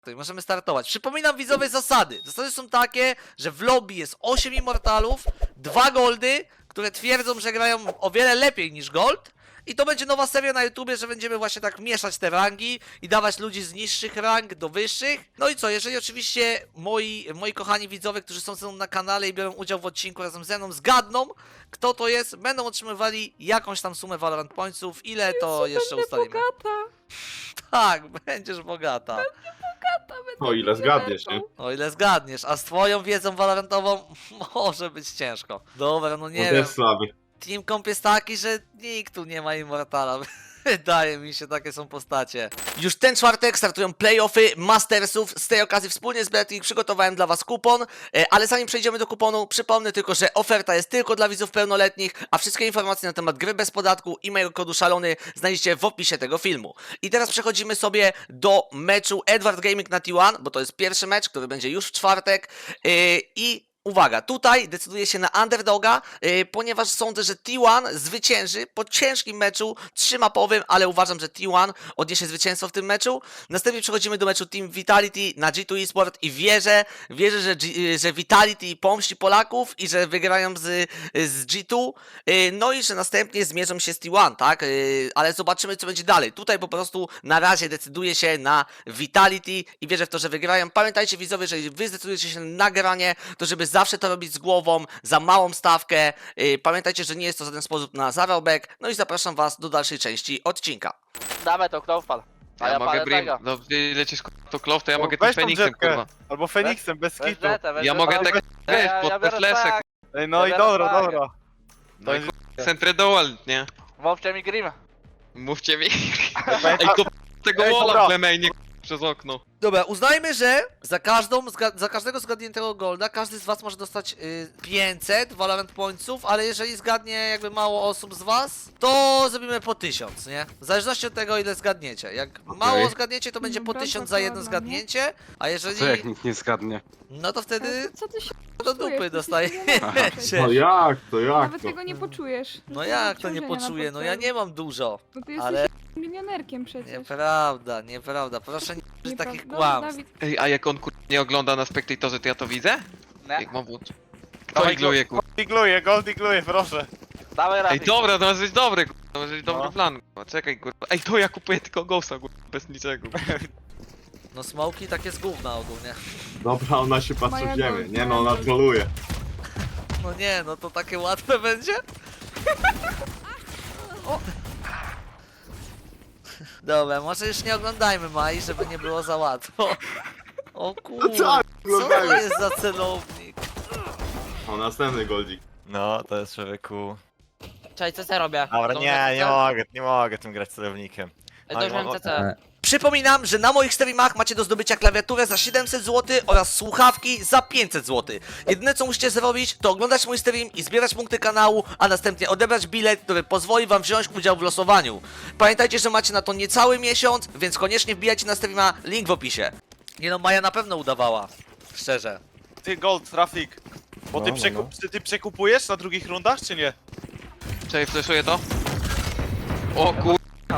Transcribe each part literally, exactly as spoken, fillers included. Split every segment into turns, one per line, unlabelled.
to możemy startować. Przypominam widzowie zasady. Zasady są takie, że w lobby jest osiem immortalów, dwa goldy, które twierdzą, że grają o wiele lepiej niż gold. I to będzie nowa seria na YouTubie, że będziemy właśnie tak mieszać te rangi i dawać ludzi z niższych rang do wyższych. No i co, jeżeli oczywiście moi, moi kochani widzowie, którzy są ze mną na kanale i biorą udział w odcinku razem ze mną, zgadną, kto to jest, będą otrzymywali jakąś tam sumę Valorant Pointsów. Ile to
Jezu,
jeszcze
będę
ustalimy?
Bogata.
Tak, będziesz bogata.
Bogata będę
O ile zgadniesz, nie?
O ile zgadniesz, a z twoją wiedzą valorantową może być ciężko. Dobra, no nie
To
wiem.
jest słaby.
Team Comp jest taki, że nikt tu nie ma Immortala. Wydaje mi się, takie są postacie. Już ten czwartek startują playoffy Mastersów. Z tej okazji wspólnie z Betting przygotowałem dla was kupon. E, Ale zanim przejdziemy do kuponu, przypomnę tylko, że oferta jest tylko dla widzów pełnoletnich, a wszystkie informacje na temat gry bez podatku i mojego kodu szalony znajdziecie w opisie tego filmu. I teraz przechodzimy sobie do meczu Edward Gaming na T jeden, bo to jest pierwszy mecz, który będzie już w czwartek. E, I uwaga, tutaj decyduję się na underdoga, yy, ponieważ sądzę, że T jeden zwycięży po ciężkim meczu trzymapowym, ale uważam, że T jeden odniesie zwycięstwo w tym meczu. Następnie przechodzimy do meczu Team Vitality na G dwa eSport i wierzę, wierzę, że, G, że Vitality pomści Polaków i że wygrają z, z G dwa, yy, no i że następnie zmierzą się z T jeden, tak? Yy, ale zobaczymy, co będzie dalej. Tutaj po prostu na razie decyduję się na Vitality i wierzę w to, że wygrają. Pamiętajcie widzowie, że jeżeli wy zdecydujecie się na nagranie, to żeby zawsze to robić z głową, za małą stawkę. Yy, pamiętajcie, że nie jest to żaden sposób na zarobek. No i zapraszam was do dalszej części odcinka.
Dawaj to, kto wpadł. A
Ja,
ja
mogę
palę
Brim,
tego.
no ty lecisz kurwa, to Clow, to ja
No,
mogę tym
weź tą
Feniksem
jetkę.
kurwa.
Albo Feniksem, bez
Weź
kitu.
jetę, weź
Ja
jetę.
mogę
Ale
tak
weź-
wiesz,
ja-
pod
ja biorę
flesek.
tak.
Ej, no
Ja
i
biorę
dobra,
flagę.
dobra.
No i kurwa, Centry Dual, nie?
Mówcie mi Grim.
Mówcie mi.
Ej,
Ej, kop tego
Ej,
walla
dobra.
w Lemejnie przez okno.
Dobra, uznajmy, że za, każdą, zga- za każdego zgadniętego golda każdy z was może dostać y, pięćset Valorant Pointsów, ale jeżeli zgadnie jakby mało osób z was, to zrobimy po tysiąc, nie? W zależności od tego, ile zgadniecie. Jak mało zgadniecie, to będzie po
Dobra,
tysiąc
to
za jedno
ładnie.
zgadnięcie, a jeżeli...
Co jak nikt nie zgadnie?
No to wtedy
Co ty się
do dupy
czujesz?
dostajecie.
No jak to, jak
Nawet
to?
tego nie poczujesz.
No
To
jak to nie
obciążenia na
poczuję? No ja
portfelu.
nie mam dużo.
No ty jesteś
ale-
milionerkiem przecież.
Nieprawda, nieprawda. Proszę nie użyć
Nieprawda.
takich
Dobra,
kłamstw.
Dawid,
Ej, a jak on kurwa nie ogląda na spektatorze, to ja to widzę?
Nie.
Jak mam włączyć? Kto
Dawaj,
igluje kurwa?
Digluję, gold digluję, proszę.
Dawaj
Ej,
Rafik.
dobra, to może być dobry kurwa, to może być dobry
No.
plan kurwa. Czekaj kurwa. Ej, to ja kupuję tylko Ghosta kurwa, bez niczego.
No smoki takie z gówna ogólnie.
Dobra, ona się patrzy
Moja
w ziemię.
gold,
Nie no,
moja
ona
gold.
troluje.
No nie, no to takie łatwe będzie? O. Dobra, może już nie oglądajmy Mai, żeby nie było za łatwo. O kurde,
tak,
co to
oglądajmy.
jest za celownik?
O, następny goldzik.
No, to jest człowieku.
Cześć, co ja robię?
Dobra,
Dobrze,
nie, nie
co?
mogę, nie mogę tym grać celownikiem.
Ej, to już
Oj,
mam
o-
C C.
Przypominam, że na moich streamach macie do zdobycia klawiaturę za siedemset złotych oraz słuchawki za pięćset złotych. Jedyne co musicie zrobić, to oglądać mój stream i zbierać punkty kanału, a następnie odebrać bilet, który pozwoli wam wziąć udział w losowaniu. Pamiętajcie, że macie na to niecały miesiąc, więc koniecznie wbijajcie na streama, link w opisie. Nie no, Maja na pewno udawała. Szczerze.
Ty gold, trafik. Bo ty,
No, no,
przekup, ty, ty przekupujesz na drugich rundach, czy nie?
Czekaj, flashuję to. O kur...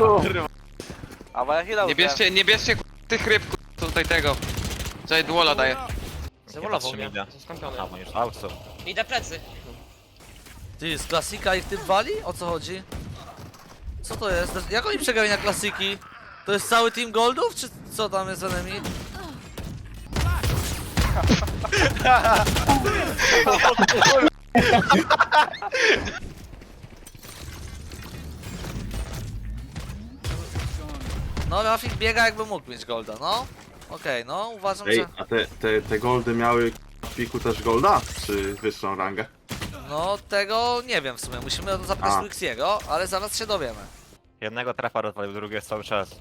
A bo ja chwilę
Nie bierzcie, nie bierzcie kurwa, tych ryb kurwa, co tutaj tego. Czekaj, duola daję.
Zawolował mnie.
idę.
Skąpiony.
A, już auto.
Idę plecy.
Ty, z klasika ich tym wali? O co chodzi? Co to jest? Jak oni przegrali na klasiki? To jest cały team goldów, czy co tam jest z enemy? No, Rafik biega jakby mógł mieć golda, no. Okej, no, uważam,
Ej,
że...
a te, te, te goldy miały w piku też golda? Czy wyższą rangę?
No, tego nie wiem w sumie, musimy o to zapytać
A.
Wixiego, ale zaraz się dowiemy.
Jednego trafa rozwalił, drugi jest cały czas.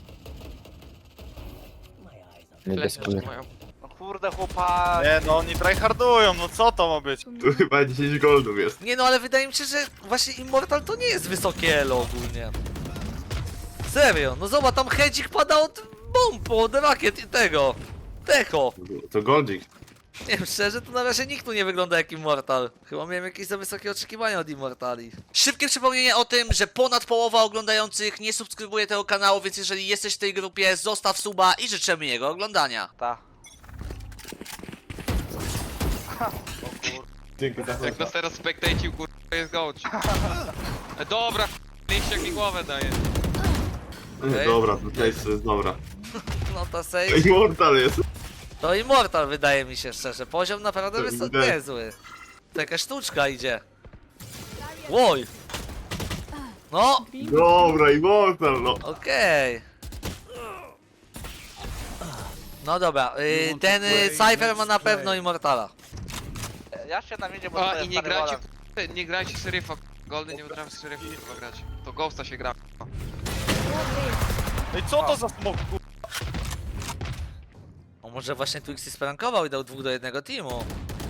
Flash jeszcze mają.
No kurde chłopak.
Nie no, oni tryhardują, no co to ma być?
Tu chyba dziesięć goldów jest.
Nie no, ale wydaje mi się, że właśnie Immortal to nie jest wysokie elo ogólnie. Serio, no zobacz, tam hedzik pada od bomb, od rakiet i tego. Techo.
To goldzik.
Nie wiem, szczerze, to na razie nikt tu nie wygląda jak Immortal. Chyba miałem jakieś za wysokie oczekiwania od Immortali. Szybkie przypomnienie o tym, że ponad połowa oglądających nie subskrybuje tego kanału, więc jeżeli jesteś w tej grupie, zostaw suba i życzymy jego oglądania.
Ta.
Dzięki za
Jak nas teraz spektajcił, kurwa, to jest gołć. E, dobra, liściak mi głowę daje.
Okej.
Dobra, to też jest dobra.
No to save.
Immortal jest.
To Immortal wydaje mi się szczerze. Poziom naprawdę
To
jest
widać.
niezły. To jakaś sztuczka idzie. Łoj! No,
Dobra, Immortal, no.
okej. No dobra, y, ten y, Cypher ma na pewno Immortala.
Ja się na midzie, bo
A
to
i
jest
nie
stary
grajcie,
wolem.
kurwa, nie grajcie seryfa. Goldy nie potrafi seryfa kurwa grać. To Ghosta się gra.
No i co to za smok, kurwa?
O, może właśnie Twixy sprankował i dał dwóch do jednego teamu.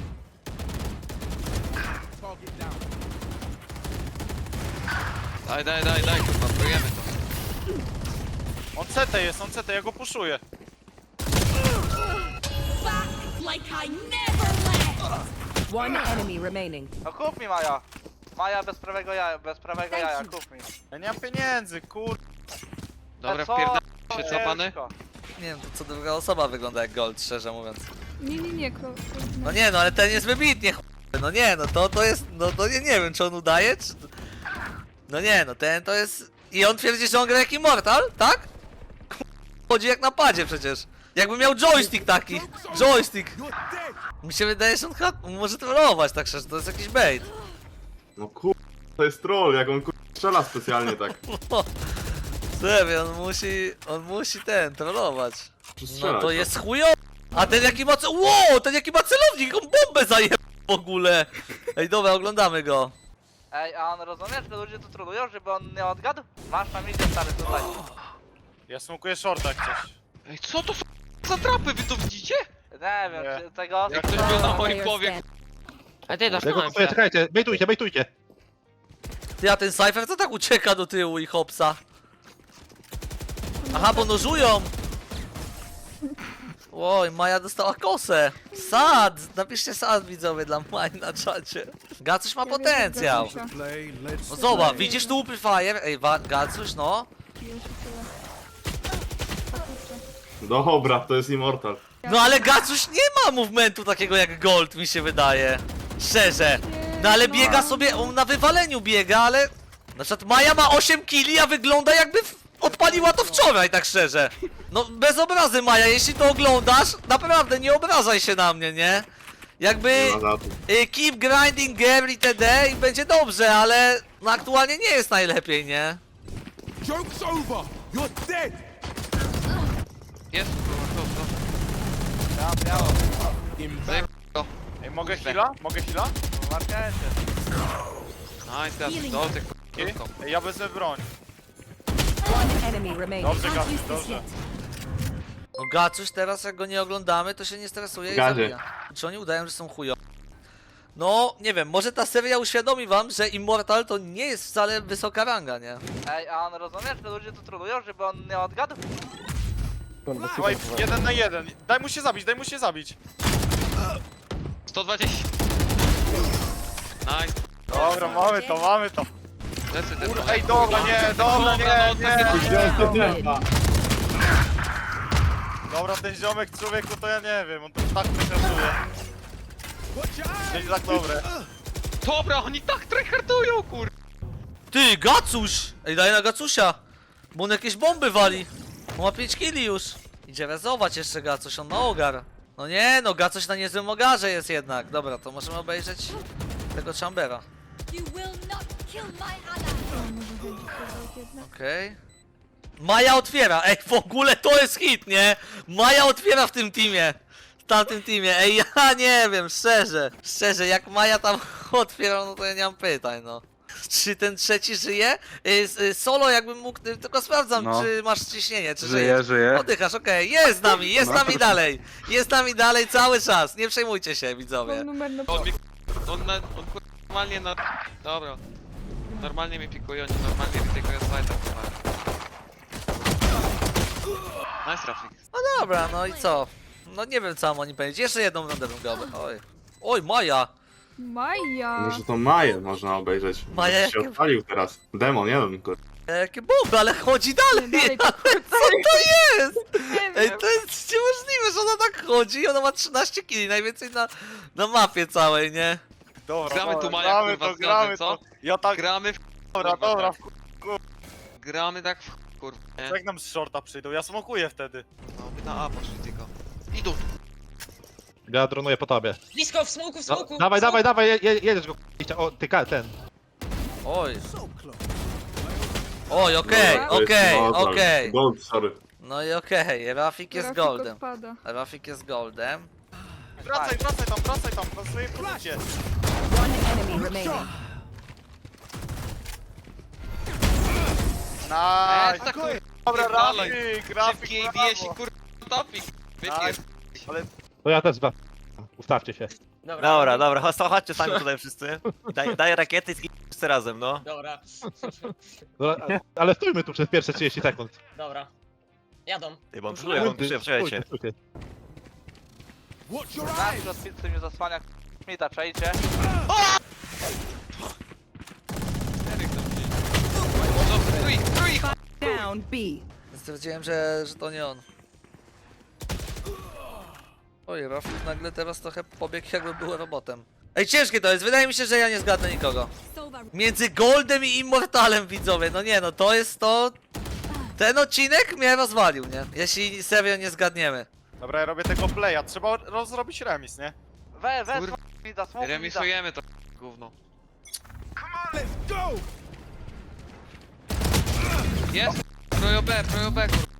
Daj, daj, daj, daj, kurwa, prójemy to.
On C T jest, on C T, ja go puszuję.
Like I never left. One enemy remaining.
No kup mi Maja. Maja bez prawego jaja, bez prawego
Thank
jaja,
you.
kup mi.
Ja nie mam pieniędzy, kur...
Dobra,
A co?
wpierdam
To
się, co pany?
ciężko.
Nie wiem, to co druga osoba wygląda jak Gold, szczerze mówiąc.
Nie, nie, nie, klo,
No nie, no ale ten jest wybitnie ch... No nie, no to, to jest, no to nie, nie wiem, czy on udaje, czy... No nie, no ten to jest... I on twierdzi, że on gra jak Immortal, tak? Chodzi jak na padzie przecież. Jakby miał joystick taki. Joystick. Mi się wydaje, że on chyba może trollować tak szczerze, to jest jakiś bait.
No kur... To jest troll, jak on kur... strzela specjalnie tak.
Serio, on musi, on musi ten, trollować. No
Strzelać,
to jest chujowy. A ten jaki ma... ce- Wow, ten jaki ma celownik, on bombę zajebał w ogóle. Ej, dobra, oglądamy go.
Ej, a on rozumiesz, że ludzie tu trolują, żeby on nie odgadł? Masz na midzie stary tutaj.
Ja smokuję shorta jak coś.
Ej, co to za trapy, wy to widzicie?
Nie wiem,
Nie.
czy tego...
Jak ktoś był na moim
Player
powie,
stand.
A ty dasz
Czego to czekajcie, bejtujcie, bejtujcie.
Ty, a ten Cypher co tak ucieka do tyłu i hopsa? Aha, bo nożują! Oj, Maja dostała kosę! Sad! Napiszcie sad widzowie dla Maji na czacie. Gacuś ma potencjał. No zobacz, widzisz tu upy fire? Ej, wa- Gacuś, no.
Dobra, to jest Immortal.
No ale Gacuś nie ma movementu takiego jak Gold, mi się wydaje. Szczerze. No ale biega sobie, on na wywaleniu biega, ale... Na przykład Maja ma osiem killi, a wygląda jakby w... odpaliła to wczoraj, tak szczerze. No bez obrazy Maja, jeśli to oglądasz, naprawdę nie obrażaj się na mnie, nie? Jakby...
Nie ma za to.
y, keep grinding game itd. i będzie dobrze, ale... No aktualnie nie jest najlepiej, nie?
Joke's over! You're dead!
jest, kurwa, to,
Ja, miało.
to. Zajeb... go.
Ej, mogę heala? Mogę heala?
Markecie.
Nice, teraz do tych
Ej,
kurwa.
Ej, ja wezmę broń.
One enemy remaining.
Dobrze,
Can't
Gabi,
use this
dobrze.
yet.
No Gacuś teraz jak go nie oglądamy, to się nie stresuje i
Gadzie.
zabija. Czy oni udają, że są chujo? No, nie wiem, może ta seria uświadomi wam, że Immortal to nie jest wcale wysoka ranga, nie?
Ej, a on rozumiesz, że ludzie tu trolują, żeby on nie odgadł?
Słuchaj, jeden na jeden. Daj mu się zabić, daj mu się zabić.
sto dwadzieścia. Nice.
Dobra, mamy to, mamy to.
Lecę ten
Kur... Ej, dobra, nie, dobra, nie,
no,
nie.
takie-
Dobra, ten ziomek człowieku to ja nie wiem, on to tak przekręcuje. Jest tak dobre.
Dobra, oni tak tryhardują, kur...
Ty, Gacuś! Ej, daj na Gacusia! Bo on jakieś bomby wali. On ma pięć killi już. Idzie rezować jeszcze Gacuś, on ma ogar. No nie, no Gacuś na niezłym ogarze jest jednak. Dobra, to możemy obejrzeć tego Chambera.
You will not kill my ally.
Okej. Maja otwiera, ej, w ogóle to jest hit, nie? Maja otwiera w tym teamie. W tamtym teamie, ej, ja nie wiem, szczerze. Szczerze, jak Maja tam otwiera, no to ja nie mam pytań, no. Czy ten trzeci żyje? Y, s- y, Solo jakbym mógł, y, tylko sprawdzam,
No.
czy masz ciśnienie, czy
Żyję,
żyjesz.
żyję.
Oddychasz, okej, jest z nami, jest z nami dalej. Jest z nami dalej cały czas, nie przejmujcie się, widzowie.
numer na
On mi... On, na, on kur... normalnie na... Dobra. Normalnie mi pikuje, oni normalnie ryzykują slajda. Nice trafik.
No dobra, no i co? No nie wiem co mam o nim powiedzieć. Jeszcze jedną rundę bym go obejrzał. Oj. Oj, Maja!
Maja.
Może to Maję można obejrzeć.
Maja
Może się
jakie-
odpalił teraz. Demon jeden, kur...
E, Jakie bomby, ale chodzi dalej!
Dalej,
Co to jest?
Nie
Ej,
wiem.
to jest niemożliwe, że ona tak chodzi i ona ma trzynaście kili, najwięcej na, na mapie całej, nie?
Dobra,
Gramy
dobra,
tu, Maja,
gramy
kurwa,
to,
z
gramy
gazem,
to.
co?
Ja tak,
Gramy w
dobra,
kurwa,
dobra,
tak. Gramy tak w kurwa, nie?
jak nam z shorta przyjdą, ja smokuję wtedy.
No, by na A poszli tylko. Idą.
Ja dronuję po tobie.
Blisko, w smoku, w
No,
smoku!
dawaj,
w smoku.
dawaj, dawaj, je, je, jedziesz go. k***a. O, ty ka- ten.
Oj. Oj, okej,
Dobra.
To jest
okej,
Gold,
okej.
Gold, sorry.
No i okej, Rafik jest
Grafik
goldem.
odpada.
Rafik jest goldem.
Wracaj, wracaj tam, wracaj tam, na swojej produkcie.
One enemy remaining.
Eee,
Nice.
tak kurwa.
Dobra,
Pierdalaj.
Rafik, Rafik,
Szybki A B S i
brawo.
kurwa topik. Wypier...
To ja też zba. Ustawcie się.
Dobra,
dobra, chodź, chodźcie sami tutaj wszyscy. Daj, daj rakiety i zginę wszyscy razem, no.
dobra,
No, a- ale stójmy tu przez pierwsze trzydzieści sekund.
dobra. Jadą.
Ty, bo on przyjdzie, on przyjdzie, przyjdzie.
Stójcie, stójcie.
Watch your
Na
eyes.
przed pizzy mnie zasłania Smita, czajcie.
Eryk tam gdzieś. No, trój, trój!
Down B.
Stwierdziłem, że, że to nie on. Oj, Rafik nagle teraz trochę pobiegł jakby był robotem. Ej, ciężkie to jest, wydaje mi się, że ja nie zgadnę nikogo. Między Goldem i Immortalem, widzowie, no nie no, to jest to... Ten odcinek mnie rozwalił, nie? Jeśli serio nie zgadniemy.
Dobra, ja robię tego playa, trzeba rozrobić remis, nie?
We, we,
Kurwa.
Smita, smoke Smita.
Remisujemy to gówno.
Let's go.
Jest! Projo B, projo B, kurwa.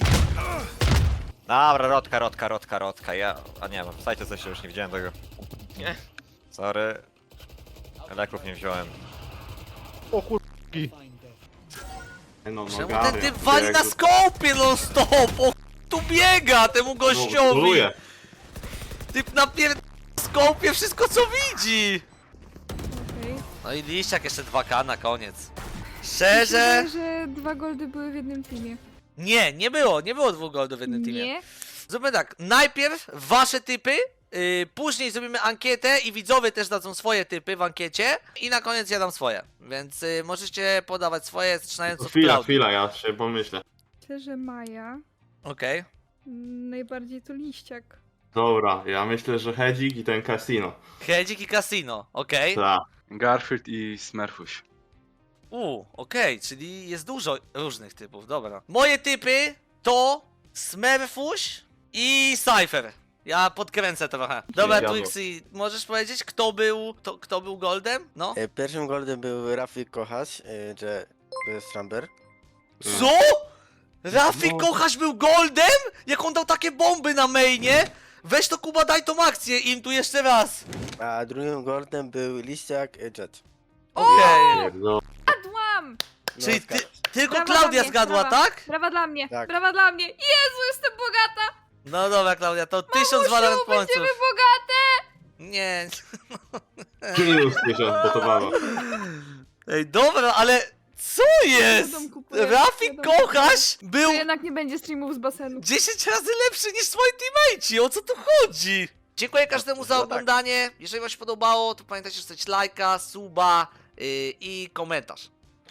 Dobra, rotka, rotka, rotka, rotka, ja... A nie, no, wstajcie coś, już nie widziałem tego.
Nie.
Sorry. Leków nie wziąłem.
O kurki.
No, no,
Czemu
Garia,
ten typ wali
jak
na
to-
skopie non stop? O, tu biega temu
No,
gościowi!
troluje.
Typ na pier... skopie wszystko co widzi!
Okej.
No i liściak jeszcze dwa K na koniec.
Myślę,
Szczerze?
że dwa goldy były w jednym teamie.
Nie, nie było, nie było dwóch goldów w jednym teamie.
Nie?
Zróbmy tak, najpierw wasze typy, yy, później zrobimy ankietę i widzowie też dadzą swoje typy w ankiecie i na koniec ja dam swoje. Więc yy, możecie podawać swoje, zaczynając od
Chwila,
Klaudii.
chwila, ja się pomyślę.
Myślę, że Maja.
Okej.
Mm, Najbardziej to liściak.
Dobra, ja myślę, że Hedzik i ten Casino.
Hedzik i Casino, okej.
Tak.
Garfield i Smurfuś.
U, okej, czyli jest dużo różnych typów, dobra. Moje typy to Smurfuś i Cypher. Ja podkręcę trochę. Dobra,
Zjadło.
Twixy, możesz powiedzieć, kto był, to, kto był Goldem? No?
Pierwszym goldem był Rafik Kochasz, że to jest Ramber.
Co? Rafik
No.
Kochasz był Goldem? Jak on dał takie bomby na mainie? Weź to Kuba, daj tą akcję im tu jeszcze raz.
A drugim goldem był Liściak Jet.
Okej.
No,
Padłam!
No,
Czyli ty,
zgadza się.
tylko
Brawa
Klaudia
dla mnie,
zgadła,
brawa.
tak?
Brawa dla mnie!
Tak.
Brawa dla mnie! Jezu, jestem bogata!
No dobra, Klaudia, to tysiąc Valorant
Mamusiu, będziemy
pońców.
bogate!
Nie.
minus tysiąc gotowało.
Ej, dobra, ale co jest?
Dom kupuję,
Rafik
dom kupuję.
Kochasz był
To jednak nie będzie streamów z basenu.
dziesięć razy lepszy niż twoi teammate'ci, o co tu chodzi? Dziękuję każdemu za
No tak.
oglądanie. Jeżeli wam się podobało, to pamiętajcie, że zostawić lajka, suba yy, i komentarz.